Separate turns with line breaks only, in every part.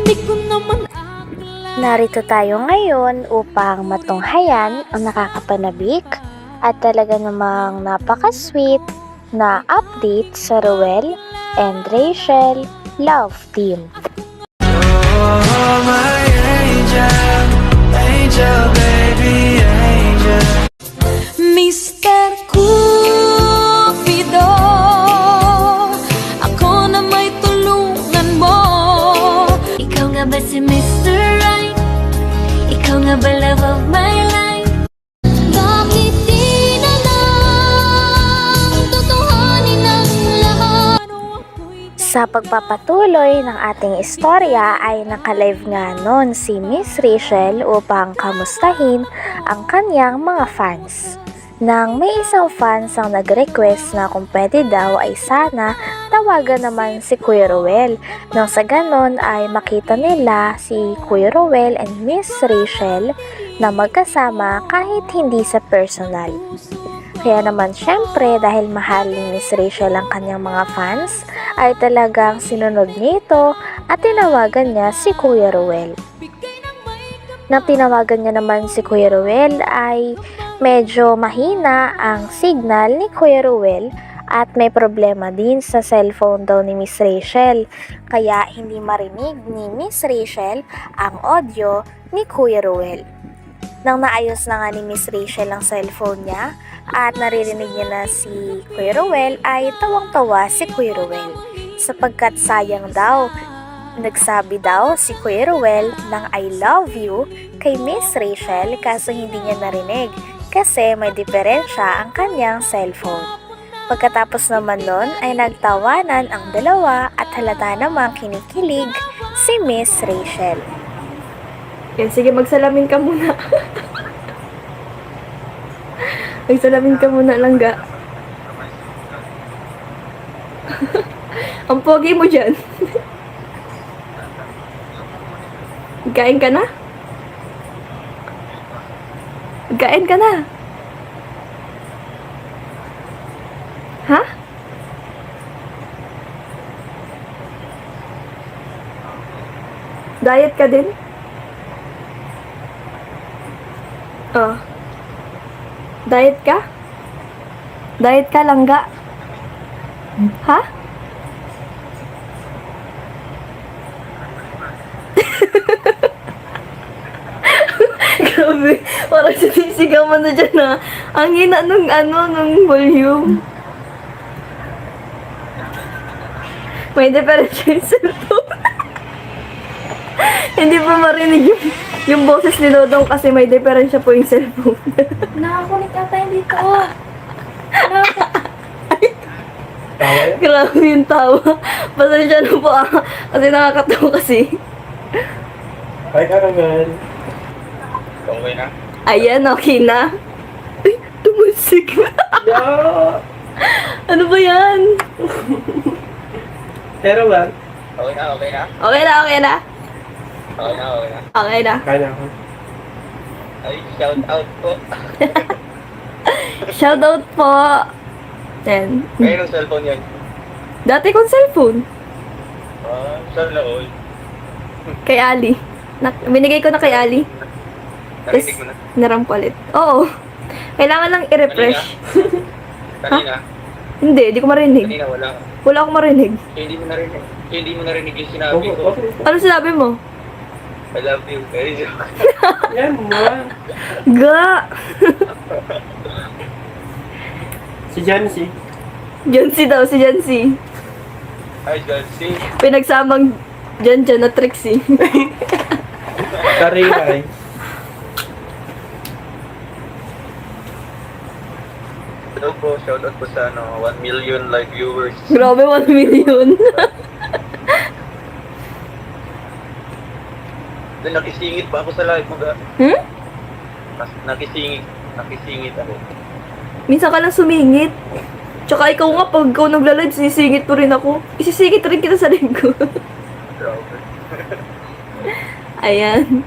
Di ko naman
Narito tayo ngayon upang matunghayan ang nakakapanabik at talaga namang napaka-sweet na update sa Ruel and Rachel Love Team.
Oh, my angel, angel, baby, angel.
Mr. Cupido, ako na may tulungan mo. Ikaw nga ba si Mr. Right? Ikaw nga ba love of my life? Bakit di na lang tutuhanin ang lahat?
Sa pagpapatuloy ng ating istorya ay nakalive nga noon si Miss Rachel upang kamustahin ang kanyang mga fans. Nang may isang fans ang nag-request na kung pwede daw ay sana tawagan naman si Kuya Ruel. Nang sa ganon ay makita nila si Kuya Ruel and Miss Rachel na magkasama kahit hindi sa personal. Kaya naman syempre dahil mahal ni Miss Rachel ang kanyang mga fans ay talagang sinunod niya ito at tinawagan niya si Kuya Ruel. Nang tinawagan niya naman si Kuya Ruel ay medyo mahina ang signal ni Kuya Ruel at may problema din sa cellphone daw ni Miss Rachel. Kaya hindi marinig ni Miss Rachel ang audio ni Kuya Ruel. Nang naayos na nga ni Miss Rachel ang cellphone niya at naririnig niya na si Kuya Ruel ay tawang-tawa si Kuya Ruel. Sapagkat sayang daw, nagsabi daw si Kuya Ruel ng I love you kay Miss Rachel kaso hindi niya narinig kasi may diferensya ang kanyang cellphone. Pagkatapos naman nun ay nagtawanan ang dalawa at halata namang kinikilig si Miss Rachel.
Yan, sige, magsalamin ka muna. Magsalamin ka muna, langga. Ang pogi mo dyan. Kain ka na? Kain ka na? Ha? Diet ka din? Oh. Diet ka? Diet ka, langga? Ha? Grabe, parang sinisigaw mo na dyan na ang hina nung volume. May diferensya yung cellphone. Hindi pa marinig yung boses ni Dodong kasi may diferensya po yung cellphone.
Nakakunik ata yung dito.
Grabe yung tawa. Pasensya na po kasi nakakatawa kasi.
Hi, Karaman. Okay na?
Ayan, okay na. Ay, tumusik.
Yeah!
Ano ba yan?
Pero ba?
Okay na.
Okay na,
okay na.
okay na.
Okay na.
Kaya na ako.
Ay, shout out po.
Shoutout po. Yan.
Ngayon ang cellphone yan.
Dati kong cellphone.
Saan na all?
Kay Ali. Binigay ko na kay Ali.
Narinig mo na?
Narampalit. Oo. Kailangan lang i-refresh.
Kanina?
Hindi, di ko marinig.
Kanina wala.
Wala akong marinig.
Hindi mo narinig. Hindi mo narinig yung sinabi ko.
Ano sinabi mo?
I love you. Very joke.
Yan mo.
Ga!
Si Jancy.
Jancy daw, si Jancy.
Hi, Jancy.
Pinagsamang Jan na Trixie.
Karingay.
Hello po. Shout out po sa 1 million live viewers.
Grabe, 1 million.
Then nakisingit pa ako sa live mo ga.
Hmm?
Nakisingit ako.
Minsan ka lang sumingit. Tsaka ikaw nga, pag ikaw nagla-live, sinisingit mo rin ako. Isisingit rin kita sa live ko.
Grabe.
Ayan.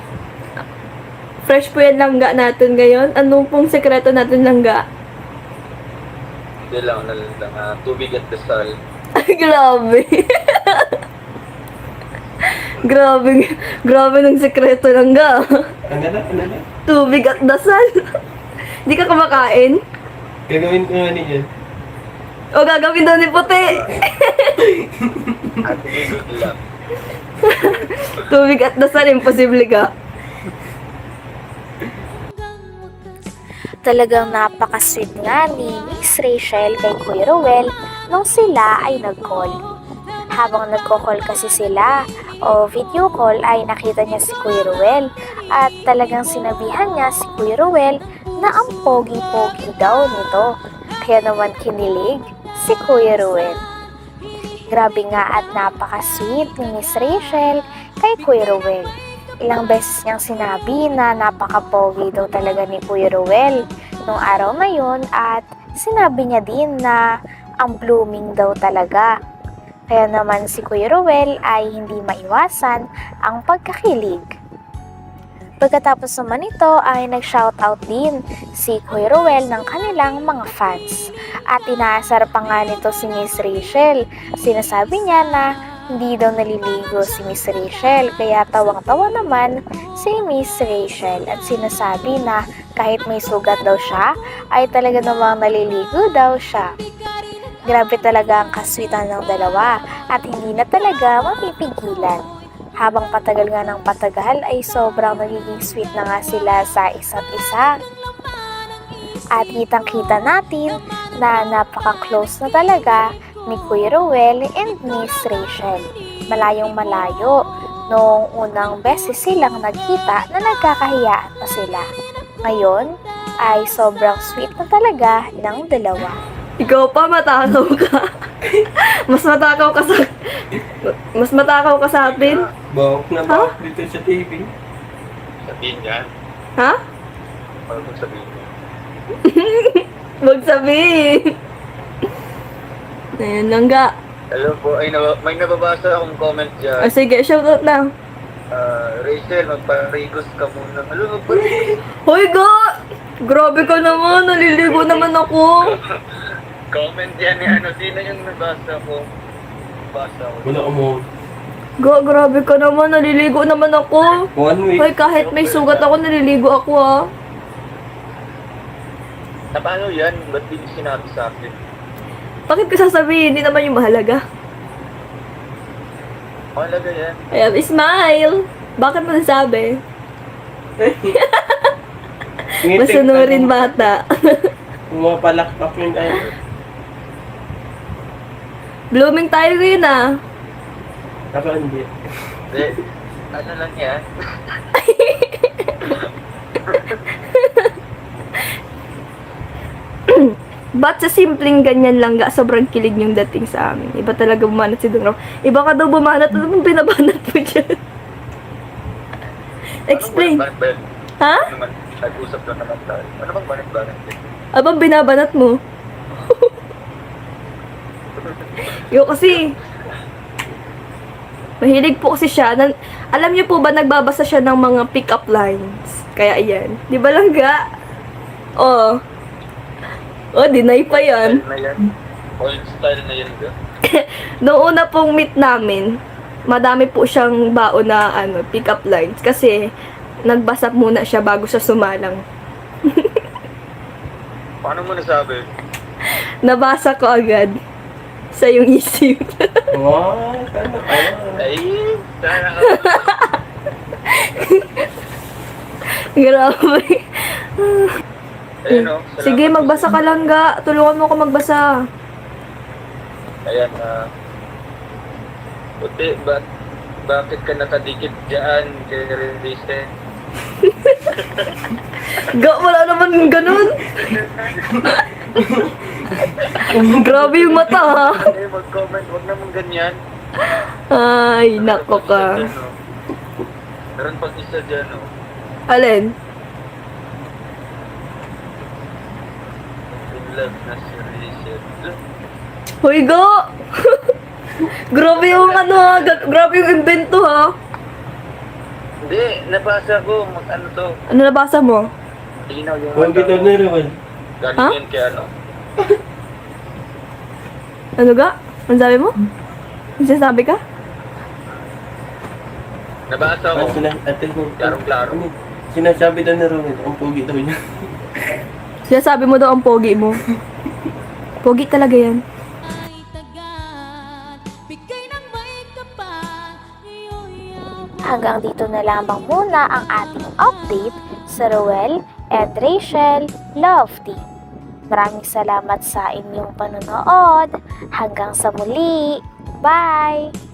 Fresh po yan langga natin ngayon. Ano pong sekreto natin langga?
Hindi lang, tubig at dasal.
Ay, grabe. Grabe, grabe ng sekreto lang ga.
Ano na?
Tubig at dasal. Di ka kumakain?
Gagawin ko nga niyan.
O gagawin daw ni puti.
At good luck.
Tubig at dasal, imposible ka.
Talagang napaka-sweet nga ni Miss Rachel kay Kuya Ruel nung sila ay nag-call. Habang nagko-call kasi sila o video call ay nakita niya si Kuya Ruel at talagang sinabihan niya si Kuya Ruel na ang pogi-pogi daw nito. Kaya naman kinilig si Kuya Ruel. Grabe nga at napaka-sweet ni Miss Rachel kay Kuya Ruel. Ilang beses niyang sinabi na napaka-pogi daw talaga ni Kuya Ruel nung araw na yun at sinabi niya din na ang blooming daw talaga. Kaya naman si Kuya Ruel ay hindi maiwasan ang pagkakilig. Pagkatapos naman ito ay nag-shoutout din si Kuya Ruel ng kanilang mga fans. At inaasar pa nga nito si Miss Rachel. Sinasabi niya na hindi daw naliligo si Miss Rachel, kaya tawang-tawa naman si Miss Rachel at sinasabi na kahit may sugat daw siya, ay talaga namang naliligo daw siya. Grabe talaga ang kaswitan ng dalawa at hindi na talaga mapipigilan. Habang patagal nga ng patagal ay sobrang nagiging sweet na nga sila sa isa't isa. At kitang-kita natin na napaka-close na talaga ni Kuya Ruel and Miss Rachel. Malayong malayo nung unang beses silang nagkita na nagkakahiyaan pa sila. Ngayon ay sobrang sweet na talaga ng dalawa.
Ikaw pa, matakaw ka. Mas matakaw ka sa atin.
Bawak na bawak dito sa TV.
Sabihin niya.
Ha?
Ano kung sabihin niya?
Huwag sabihin. Ayan lang ga.
Hello po, ay may nababasa akong comment
O
dyan.
sige, shoutout na.
Rachel, magparigos ka muna. Hello, magparigos.
Hoy ga! Grabe ka naman, naliligo naman ako.
Comment yan ni ano, sino yung nabasa ko? Nabasa ko.
Wala mo.
Ga, grabe ka naman, naliligo naman ako.
1 week.
Hoy, kahit may sugat ako, naliligo ako ah.
Na paano yan? Ba't di sinabi sa akin?
Bakit ko sasabihin? Hindi naman yung mahalaga.
Mahalaga yan.
Ayan, smile! Bakit mo nasabi? Masunurin bata.
Pumapalakpak yung tayo.
Blooming tayo ngayon ah.
Ako hindi.
Hindi. Ano lang yan?
Ba't sa simpleng ganyan lang ga, sobrang kilig yung dating sa amin. Iba talaga bumanat si Dong Ram. Iba ka daw bumanat, ano bang binabanat mo dyan? Explain.
Ano bang
Ha?
Ano naman? Nag-usap lang naman tayo. Ano bang banit-banit?
Abang binabanat mo? Yo kasi, mahilig po kasi siya. Alam niyo po ba, nagbabasa siya ng mga pick-up lines. Kaya ayan. Di ba lang ga? Oh. Oh, deny pa yan.
Style na yan. Old style na yan.
Noong una pong meet namin, madami po siyang baon na pick-up lines. Kasi, nagbasa muna siya bago siya sumalang.
Paano mo nasabi?
Nabasa ko agad sa iyong isip.
Wow, sana kaya.
Ay, sana ka.
Grabe.
Ayun o. salamat.
Sige, magbasa ka lang ga. Tulungan mo ako magbasa.
Ayan, Puti, bakit ka nakadikit dyan kay Release?
Ga, wala naman ganun. Grabe yung mata ha.
Eh, mag-comment, huwag naman ganyan.
Ay, nako ka.
Dyan, oh. Meron pang isa dyan, o.
Alin?
In love na si Rachel.
Hoy ga! Grabe yung grabe yung invento ha.
Hindi, nabasa ko, ano to.
Ano nabasa mo?
Linaw yung
Huwag kita na rin.
Galing
Ha?
yan kay ano.
Ano ga? Ano sabi mo? Ano sinasabi ka?
Nabasa ko. Klarong-klaro.
Sinasabi daw ni Romel, ang pogi daw niya.
Sinasabi mo daw ang pogi mo. Pogi talaga yan.
ay tagat Bigay ng may kapal Iyo'y
Hanggang dito na lamang muna ang ating update sa Roel and Rachel Love Team. Maraming salamat sa inyong panonood. Hanggang sa muli. Bye!